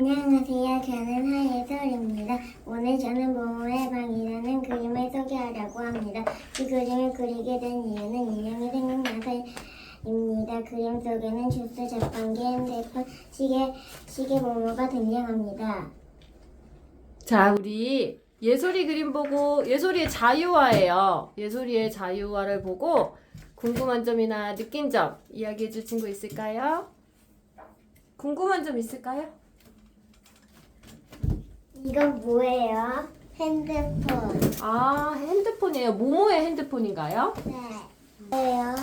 안녕하세요. 저는 하예솔입니다. 오늘 저는 모모의 방이라는 그림을 소개하려고 합니다. 이 그림을 그리게 된 이유는 인형이 생각나서입니다. 그림 속에는 주스, 자판기, 핸드폰, 시계 모모가 등장합니다. 자, 우리 예솔이 그림 보고 예솔이의 자유화예요. 예솔이의 자유화를 보고 궁금한 점이나 느낀 점 이야기해 줄 친구 있을까요? 궁금한 점 있을까요? 이건 뭐예요? 핸드폰. 아, 핸드폰이에요. 모모의 핸드폰인가요? 네. 뭐예요?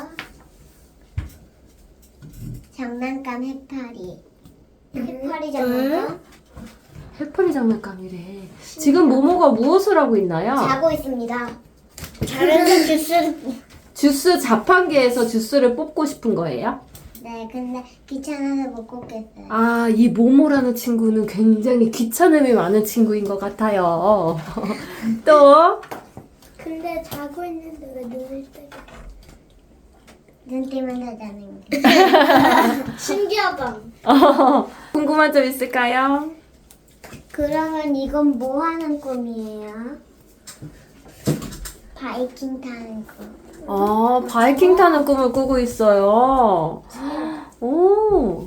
장난감 해파리. 해파리 장난감? 해파리 장난감이래. 지금 모모가 무엇을 하고 있나요? 자고 있습니다. 자면서 주스를. 주스 자판기에서 주스를 뽑고 싶은 거예요? 네, 근데 귀찮아서 못 꽂겠어요. 아, 이 모모라는 친구는 굉장히 귀찮음이 많은 친구인 것 같아요. 또? 근데 자고 있는데 왜 눈을 뜨고? 눈 뜨면 하자는 게. 신기하다. 궁금한 점 있을까요? 그러면 이건 뭐 하는 꿈이에요? 바이킹 타는 꿈. 아, 바이킹 타는 꿈을 꾸고 있어요. 오,